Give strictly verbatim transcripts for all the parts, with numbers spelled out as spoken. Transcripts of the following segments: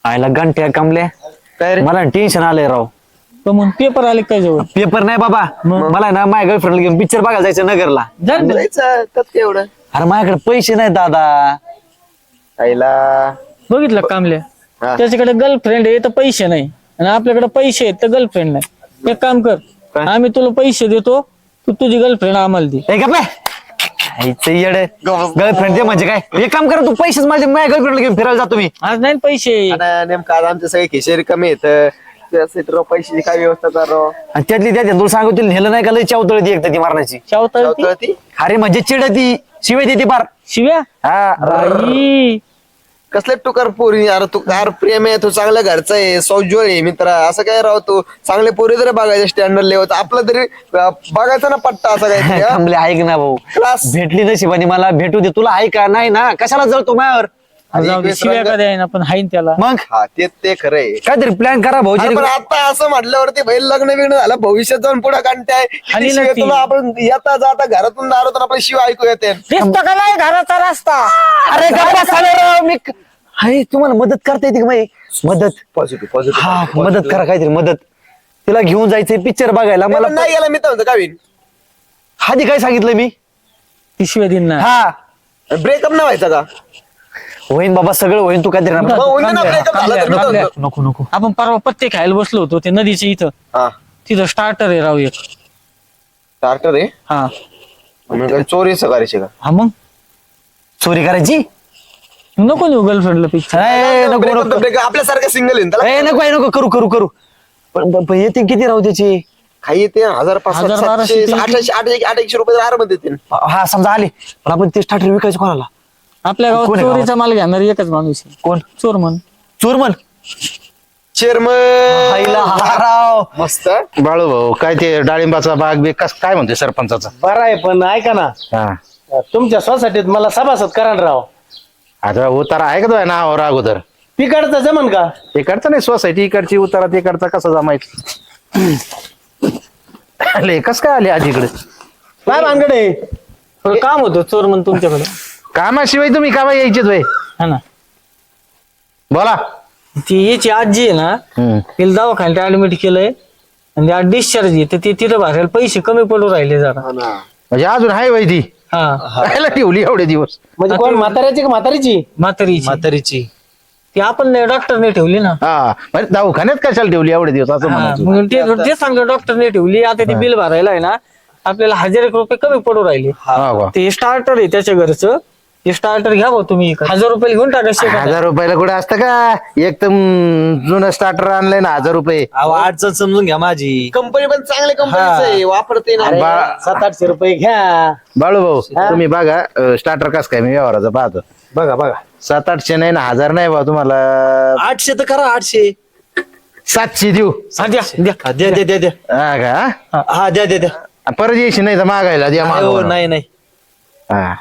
आयला घंट्या कमल्या काय रे? मला टेन्शन आलंय राव. तर मग पेपर आले काय जवळ पेपर नाही बाबा, मला ना माझ्या गर्लफ्रेंडला घेऊन पिक्चर बघायला जायचं नगरला. जा ना. जायचं त्यात काय एवढं अरे माझ्याकडे पैसे नाही दादा. आईला बघितलं कामल्या हा. त्याच्याकडे गर्लफ्रेंड आहे तर पैसे नाही आणि आपल्याकडे पैसे आहेत तर गर्लफ्रेंड नाही. एक काम कर, काय? आम्ही तुला पैसे देतो, तू तुझी गर्लफ्रेंड आम्हाला दे. हे का गर्लफ्रेंड दे म्हणजे काय? एक काम करा, तू पैसेच माझे माझ्या गर्लफ्रेंडला घेऊन फिरायला जातो मी. आज नाही ना पैसे. आता नेमकं आज आमचे सगळे खिशेरी कमी येत त्यासाठी राव पैशाची काय व्यवस्था करा आणि त्यातली त्यात तुला सांगू तिला नेलं नाही का लय चावतळ ती एकदा ती मारण्याची. शावता ती अरे म्हणजे चिडती शिवाय देते पार. शिव्या हा बाई. कसले टुकार पोरी यार तू कार प्रेम आहे तू चांगल्या घरचा आहे सौजोळ आहे मित्र असं काय राव तू चांगले पोरी तरी बघायचे स्टँडर्ड लेवल आपलं तरी अं, बघायचा ना पट्टा असं काय थांबले ऐक ना भाऊ, क्लास भेटली नशिबाने मला भेटू दे. तुला ऐका नाही ना, कशाला जळतो माझ्यावर? जाऊ दे, शिव्या का द्याय ना पण हाईन त्याला. मग हा ते ते खरंय काहीतरी प्लॅन करा भाऊ. अरे पण आता असं म्हटल्यावरती बैल लग्न बिग्न झालं भविष्यात जाऊन पुढे काढताय आणि नक्की. तुला आपण येता जाता घरातून दारातून आपल्या शिव ऐकू येते दिसतं का नाही घराचा रस्ता? अरे गप्पा साले राव, मी क- हाय तुम्हाला मदत करता येते का माही? मदत पॉझिटिव्ह हा मदत करा, काहीतरी मदत. तिला घेऊन जायचंय पिक्चर बघायला. मला मला नाही गेला मी तर म्हणतो कावीन आधी काय सांगितलं मी? ती शिव्या दिन ना. हा ब्रेकअप नाही व्हायचा का होईन बाबा, सगळं होईन. तू काहीतरी मग ना- होईन ना breakup झाला तर मी तर कामल्या. म्हणतो. नको नको. आपण परवा पत्ते खायला बसलो होतो ते नदीच्या इथं. हा तिथं स्टार्टर आहे राव एक. स्टार्टर आहे हा मग काय चोरी सकाळची का हा मग चोरी करायची? नको नेऊ गर्लफ्रेंडला पिक्चर. ए, नको Breakup नको तर breakup आपल्यासारखं सिंगल आहे ना त्याला ए, नको ए, नको करू करू करू. पण पण- पण येते किती राहू त्याची? काही ते हजार पाच हजार बाराशे, सातशे तीनशे. आठशे आठ आठ एकशे रुपये आराम देतील हा समजा आले, पण आपण ते स्टार्टर विकायचं कोणाला? आपल्या गावात कोण आहे चोरीचा माल घेणार एकच माणूस आहे. कोण? चोर म्हण. चोरमन. चेअरमन आईला हा राव. मस्त बाळू भाऊ काय ते डाळिंबाचा बाग बी कस काय म्हणते सरपंचाचा? बरं आहे पण ऐका ना, हा तुमच्या सोसायटीत मला सभासद करा ना राव. आता उतारा आहे का तो नावावर अगोदर? तिकडचं जमन का? इकडचं नाही सोसायटी इकडची उतारा तिकडचा कसा जमायचं? आले कस काय आले आज इकडे? काय भानगड आहे? थोडं काम होतं चोर म्हण तुमच्याकडे. कामाशिवाय तुम्ही कामा यायचेच वय? हा ना. बोला. ती याची आजी आहे ना, हम्म. तिला दवाखान्यात ऍडमिट केलंय आणि आज डिस्चार्ज आहे तर ती तिथं भरायला पैसे कमी पडू राहिले जरा. म्हणजे अजून हाय वय ती हा राहायला ठेवली एवढे दिवस? म्हणजे कोण म्हाताऱ्याची का म्हातारीची? म्हातारीची म्हातारीची. ती आपण डॉक्टरने ठेवली ना. हा म्हणजे दवाखान्यात कशाला ठेवली एवढे दिवस असं हा, म्हणायचं? म्हणून ते ते सांगतो डॉक्टरने ठेवली. आता ते बिल भरायला आहे ना आपल्याला हजार एक रुपये कमी पडू राहिले. हा का? ते स्टार्टर आहे त्याच्या घरचं. ते स्टार्टर घ्या भाऊ तुम्ही. हजार रुपये घेऊन टाका शेतात. हजार रुपयाला कुठे असतं का? एकदम जुनं स्टार्टर आणलंय ना हजार रुपये. अहो, अडचण समजून घ्या माझी. कंपनी पण चांगल्या कंपनीचं आहे वापरते ना अरे, बा- सात आठशे रुपये घ्या. बाळू भाऊ तुम्ही बघा स्टार्टर कस काय मी व्यवहाराचं पाहतो. बघा बघा. सात आठशे नाही ना हजार नाही बा तुम्हाला. आठशे तर करा, आठशे. सातशे देऊ. हा, द्या द्या. हा, द्या द्या द्या द्या. हा का? हा द्या द्या द्या. परत यायची नाही तर मागायला द्या हो, मागं. नाही नाही. हा.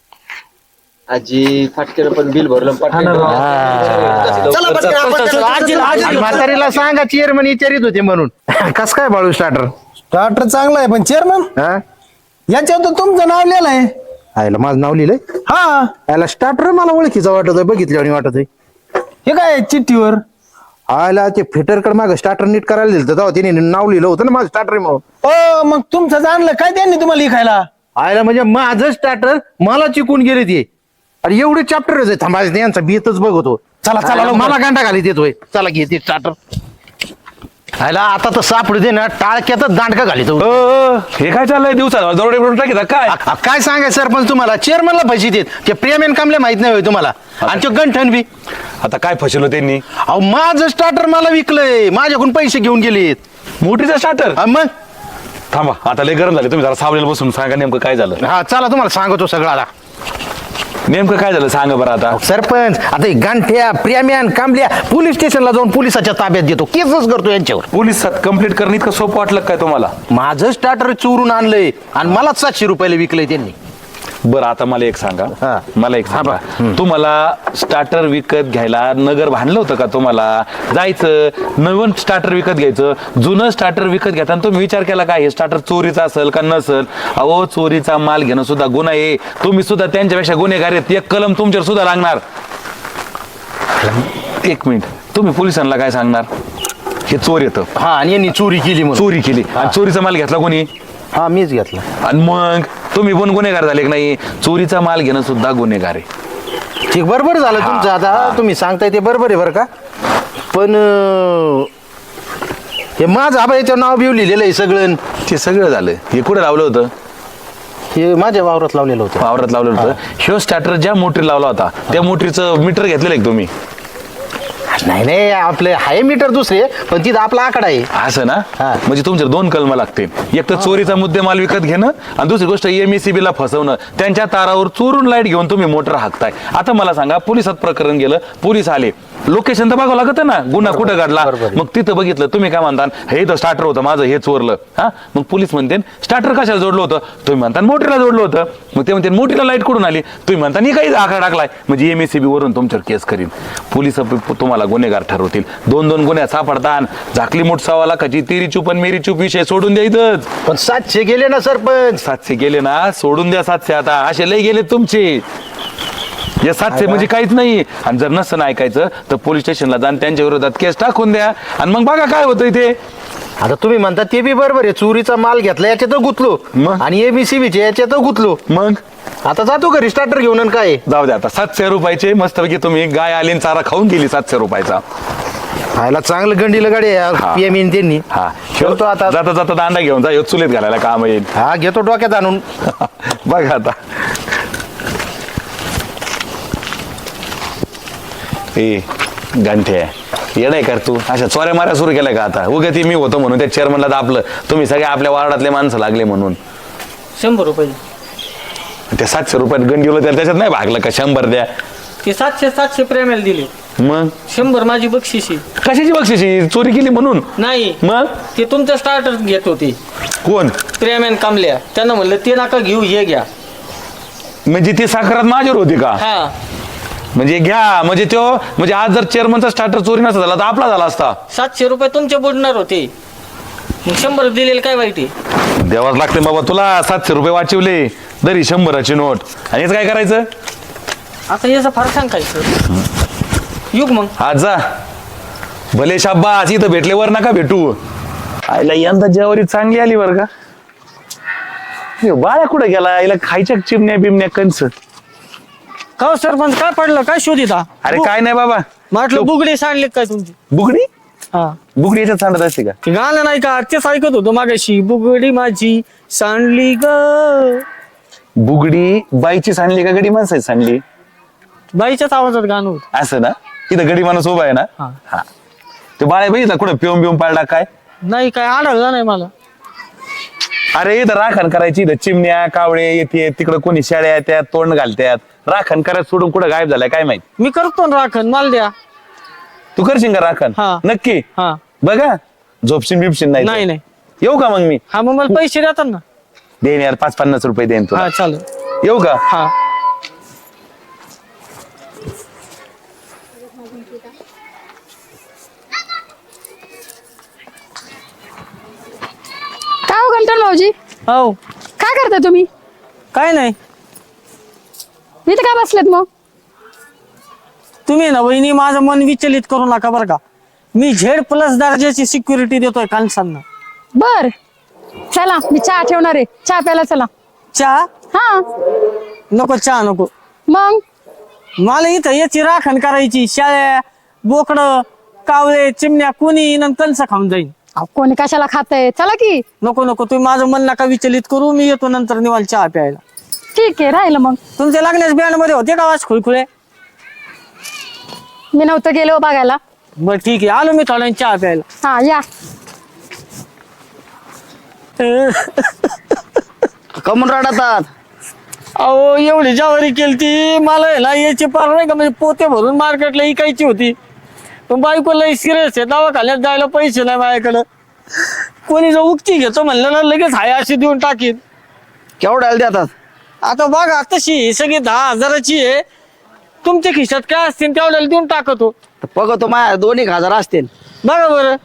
आजी फाटकेला पण बिल भरलं पटकन. हा. चला पटकन आपण चला, आजीला- आणि आजीला- म्हातारीला सांगा चेअरमन विचारित होते म्हणून. कस काय बाळू स्टार्टर? डॉक्टर चांगला आहे पण चेअरमन हा याच्यावर तर तुमचं नाव लिहिलं आहे. आयला माझं नाव लिहिलंय. हा आयला स्टार्टर मला ओळखीचा वाटत आहे, बघितलं आणि वाटत आहे. हे काय चिठ्ठीवर? आयला ते फिटरकडे माग स्टार्टर नीट करायला दिलं तेव्हा तिने नाव लिहिलं होतं ना माझं स्टार्टर म्हणून. ओ मग तुमचं जाणलं काय त्यांनी तुम्हाला लिखायला? आयला म्हणजे माझं स्टार्टर मला चिकून गेले ते. अरे एवढे चॅप्टर थांबायचं यांचा बेतच बघतो. चला चला मला गांडा घाली देतोय. चला घे ते स्टार्टर. आयला आता तर सापडू दे ना टाळक्यातच दांडका घाली तो. हे काय चाललंय दिवसाला दरोडे बिरोडे टाकीता काय? आ- काय सांगायचं सरपंच तुम्हाला? चेअरमनला पैसे देत ते प्रेमेन कामले माहित नाही होय तुम्हाला? आणि तो गंठन बी. आता काय फसवलं त्यांनी? अहो माझं स्टार्टर मला विकलंय, माझ्याकडून पैसे घेऊन गेलेत. मोठीचा स्टार्टर. हा, मग थांबा आता लय गरम झाले, तुम्ही जरा सावलेला बसून सांगा नेमकं काय झालं. हा चला तुम्हाला सांगतो सगळ्याला. नेमकं काय झालं सांगा बरं आता. सरपंच आता हे गांठ्या प्रेम्यान कांबल्या पोलीस स्टेशनला जाऊन पोलिसाच्या ताब्यात देतो, केसच करतो यांच्यावर. पोलीस कंप्लीट करणं इतकं सोपं वाटलं काय तुम्हाला? माझं स्टार्टर चोरून आणलंय आणि मलाच सातशे रुपयाला विकलंय त्यांनी. बरं आता मला एक सांगा. हा. मला एक सांगा, तुम्हाला स्टार्टर विकत घ्यायला नगर भांडलं होतं का? तुम्हाला जायचं नवीन स्टार्टर विकत घ्यायचं, जुनं स्टार्टर विकत घेताना तुम्ही विचार केला का हे स्टार्टर चोरीचा असेल का नसेल? अहो चोरीचा माल घेणं सुद्धा गुन्हा आहे. तुम्ही सुद्धा त्यांच्यापेक्षा गुन्हेगार आहेत. एक कलम तुमच्यावर सुद्धा लागणार. एक मिनिट तुम्ही पोलिसांना काय सांगणार हे चोर येतं हा आणि यांनी चोरी केली म्हणून चोरी केली आणि चोरीचा माल घेतला कोणी हा मीच घेतला. आणि मग तुम्ही पण गुन्हेगार झाले की नाही चोरीचा माल घेणं सुद्धा गुन्हेगार आहे. ठीक बरोबर झालं तुमचं आता तुम्ही सांगताय ते बरोबर आहे बरं का पण अं, हे माझं आबा याच्यावर नाव बिव लिहिलेलं आहे सगळं ते सगळं झालं हे कुठे लावलं होतं हे माझ्या वावरात लावलेलं होतं. वावरात लावलं होतं ह्यो स्टार्टर ज्या मोटरी लावला होता त्या मोटरीचं मीटर घेतलेलं आहे तुम्ही नाही नाही आपले हाय मीटर दुसरे पण तिथं आपला आकडा आहे. असं ना हा. म्हणजे तुमचे दोन कलम लागतील एक तर चोरीचा मुद्देमाल विकत घेणं आणि दुसरी गोष्ट एमएससीबी ला फसवणं त्यांच्या तारावर चोरून लाईट घेऊन तुम्ही मोटर हाकताय. आता मला सांगा पोलिसात प्रकरण गेलं पोलीस आले लोकेशन तर बघावं लागतं ना गुन्हा कुठं घडला मग तिथं बघितलं तुम्ही काय म्हणता हे तर स्टार्टर होतं माझं हे चोरलं हा मग पोलीस म्हणते स्टार्टर कशाला जोडलं होतं तुम्ही म्हणता मोटरीला जोडलं होतं मग ते म्हणते मोटरीला लाईट कुठून आली तुम्ही म्हणता नाही काही आकडा टाकलाय म्हणजे एमएससीबी वरून तुमच्यावर केस करीन पोलीस तुम्हाला गुन्हेगार ठरवतील. दोन दोन गुन्ह्यात सापडतात झाकली मोठ सव्वा लाखाची तेरी चूप आणि मेरी चूप विषय सोडून द्यायचंच. पण सातशे गेले ना सरपंच. सातशे गेले ना सोडून द्या सातशे आता असे लय गेले तुमचे या सातशे म्हणजे काहीच नाही. आणि जर नसतं ना ऐकायचं तर पोलीस स्टेशनला जाऊन त्यांच्या विरोधात केस टाकून द्या आणि मग बघा काय होतं इथे. आता तुम्ही म्हणता ते बी बरोबर आहे चोरीचा माल घेतला याच्यात गुतलो मग? आणि एबीसीबीचे याच्यात गुतलो मग आता जातो घरी स्टार्टर घेऊन आणि काय जाऊ द्या आता सातशे रुपयाचे मस्तपैकी तुम्ही गाय आली आणि चारा खाऊन गेली सातशे रुपयाचा. खायला चांगलं गंडीला गाडी हा. पीएम त्यांनी हा ठेवतो आता जाता जाता दांडा घेऊन जा ह्यो चुलीत घालायला काम येईल. हा घेतो डोक्यात आणून. बघा आता ए गंठे येडाय कर तू अशा चोऱ्या माऱ्या सुरू केल्या का आता उगा ती मी होतो म्हणून त्या चेअरमनला दाबलं तुम्ही सगळे आपल्या वार्डातले माणसं लागले म्हणून. शंभर रुपये ते सातशे रुपयात गंडी होलं त्याला त्याच्यात नाही भागलं का शंभर द्या ते सातशे सातशे प्रेमाला दिले मग शंभर माझी बक्षिसी कशाची बक्षिसी चोरी केली म्हणून नाही मग ते तुमचं स्टार्टर घेत होते कोण प्रेमॅन कामल्या त्यांना म्हणलं ते नका घेऊ हे घ्या. म्हणजे ती साखरात माझ्यावर होती का हा म्हणजे घ्या म्हणजे तो म्हणजे आज जर चेअरमनचा स्टार्टर चोरी नसता झाला तर आपला झाला असता. सातशे रुपये तुमचे बुडणार होते मग शंभर दिलेले काय वाईट आहे. द्यावाच लागते बाबा तुला सातशे रुपये वाचवले तरी शंभराची नोट आणि याचं काय करायचं आता याचं फार सांगायचं युग मग आज जा भले शाब्बास इथं भेटले वर नका भेटू. आईला यंदा जेवारी चांगली आली बर का ह्यो बाळ्या कुठं गेला आईला खायच्या चिमण्या बिमण्या कंस. का सरपंच काय पडलं काय शोधिता अरे काय नाही बाबा म्हटलं बुगडी सांडले काय तुमची. बुगडी हा बुगडी याच्यात सांडत असते का ते गाणं नाही का तेच ऐकत होतो मागाशी बुगडी माझी सांडली ग. बुगडी बाईची सांडली का गडी माणसाची सांडली बाईच्याच आवाजात गाणं होत. असं ना इथं गडी माणूस उभा आहे ना हा. हा ते बाळ्या बघितला कुठं पिऊन पिऊन पाळला काय नाही काय आढळलं नाही मला. अरे इथं राखण करायची इथं चिमण्या कावळे येते तिकडं कोणी शेळ्या येतात तोंड घालतात राखण करायचं सोडून कुठं गायब झालाय काय माहित. मी करतो ना राखण मला द्या. तू करशील का राखण हा. नक्की हा बघा झोपशील बिपशील नाही तर. नाही नाही येऊ का मग मी हा मग मला पैसे देतात ना. देईन यार पाच पन्नास रुपये देईन तुला हा चालेल. येऊ का हा काय हो गंटन भाऊजी हो काय करता तुम्ही काय नाही इथे काय बसलेत मग तुम्ही ना वहिनी माझं मन विचलित करू नका बरं का. मी झेड प्लस दर्जाची सिक्युरिटी देतोय कालसांना. बर चला मी चहा ठेवणार आहे चहा प्यायला चला. चहा हा नको चहा नको मग मला इथं याची राखण करायची शाळ्या बोकड कावळे चिमण्या कोणी येईन आणि कंस खाऊन जाईन. अहो, कोणी कशाला खातंय चला की. नको नको तुम्ही माझं मन नका विचलित करू मी येतो नंतर निवाल चहा प्यायला. ठीक आहे राहिलं मग. तुमच्या लग्नाच्या बँड मध्ये होते का वाज खुळखुळे. मी नव्हतं गेलो बघायला. बर ठीक आहे आलो मी थोड्या वेळाने चहा प्यायला. हा या कमून रडतात अहो एवढी ज्वारी केलती मला आहे ना याची पार नाही का म्हणजे पोते भरून मार्केटला इकायची होती पण बायको लई सिरियस आहे दवाखान्यात जायला पैसे नाही माझ्याकडं. कोणी जर उक्ती घेतो म्हणलं ना लगेच हाय अशी देऊन टाकीन. केवढ्याला देतात आता बघा तशी ही सगळी दहा हजाराची आहे तुमच्या खिशात काय असतील तेवढ्याला देऊन टाकतो. बघतो माझ्या दोन एक हजार असतील. बघा बरं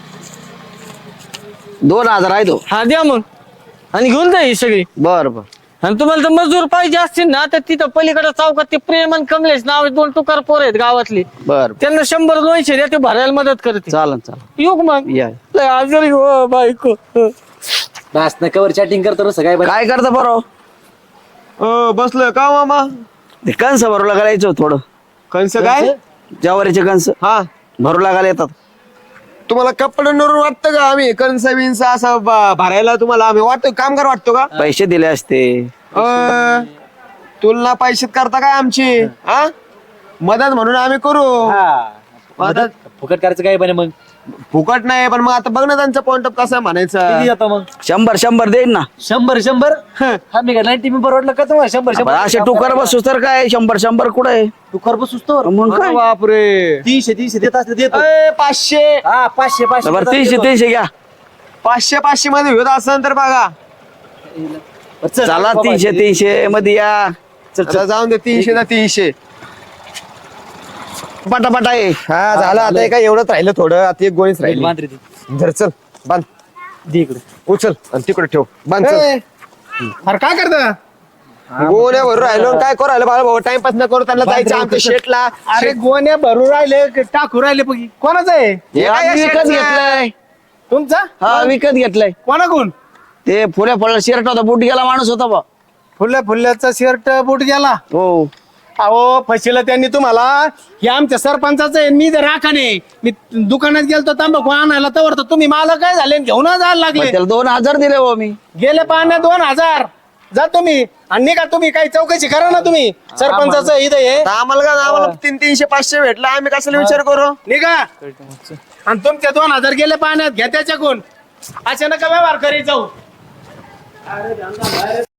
दोन हजार आहे तो. हा द्या मग आणि घेऊन जा ही सगळी. बर बर आणि तुम्हाला तर मजूर पाहिजे असतील ना तर तिथं पलीकडे चौकात ते प्रेम आणि कमलेश नाव दोन टुकार पोर आहेत गावातली. बर त्यांना शंभर दोनशे द्या ते भरायला मदत करते. चालन चालन येऊ का मग या. लय आजारी हो बायको. कवर चॅटिंग करतो सगळ्या काय करता बरो अ, बसलोय का मामा? ते कंस भरू लागायला यायचं थोडं कंस काय? ज्वारीचे कंस हा, भरू लागायला येतात. तुम्हाला कपड्यांवरून वाटतं का आम्ही कंस बिंस असं ब- भरायला तुम्हाला आम्ही वाटतो कामगार वाटतो का? पैसे दिले असते. अ, तुलना पैशात करता काय आमची? हा, मदत म्हणून आम्ही करू. मदत फुकट करायचं काय बने मग फुकट नाही, पण मग आता बघ ना त्यांचा पॉइंट ऑफ कसा म्हणायचं. आता मग शंभर शंभर देईन ना. शंभर शंभर हा मी नाईन्टी मी परवडलं का तुम्हाला शंभर पण शंभर असे टुकर बसू तर काय शंभर शंभर कुठं आहे तू कर बसूस तर मग काय बापरे, तीनशे तीनशे देत असते देतो अय, पाचशे हा पाचशे पाचशे बरं तीनशे तीनशे घ्या. पाचशे पाचशे मध्ये होत असेल तर बघा. चला तीनशे तीनशे मध्ये या. आता जाऊन दे तीनशे ना तीनशे. पटापटा आहे. हा झालं, आता हे काय एवढंच राहिलं थोडं, आता एक गोणीच राहिली. मांजरी दे धर चल बांध, दे इकडे उचल आणि तिकडे ठेव बांध चल. ए, अरे काय करता? गोण्यावर राहिलो आणि काय करू राहिलो बाळा भाऊ, टाइमपास न करू, त्यांना जायचं आमच्या शेटला. अरे गोण्या भरू राहिले टाकू राहिले बघ कोणाचं आहे? हे काय आम्ही विकत शेटचं? घेतलंय. तुमचा? हा विकत घेतलंय. कोणाकडून? ते फुल्या फळ शर्ट होता बुट गेला माणूस होता बा. फुल्या फुल्याचा शर्ट बूट गेला. हो अहो फशीला त्यांनी तुम्हाला, हे आमच्या सरपंचाचं आहे, मी जर राखाने मी दुकानात गेलतो तांबाखू आणायला तर तर तुम्ही मला काय झाले घेऊन जायला मग लागले. त्याला दोन हजार दिले हो मी. गेले पाहण्या दोन हजार जा तुम्ही आणि निघा तुम्ही, काही चौकशी करा ना तुम्ही सरपंचाचं इथं हे आता आम्हाला का आम्हाला तीन तीनशे पाचशे भेटला, आम्ही कशाला विचार करू? निघा. आणि तुमचे दोन हजार गेले पाहण्यात घ्या त्याच्याकडून, अशा नका व्यवहार करीत जाऊ.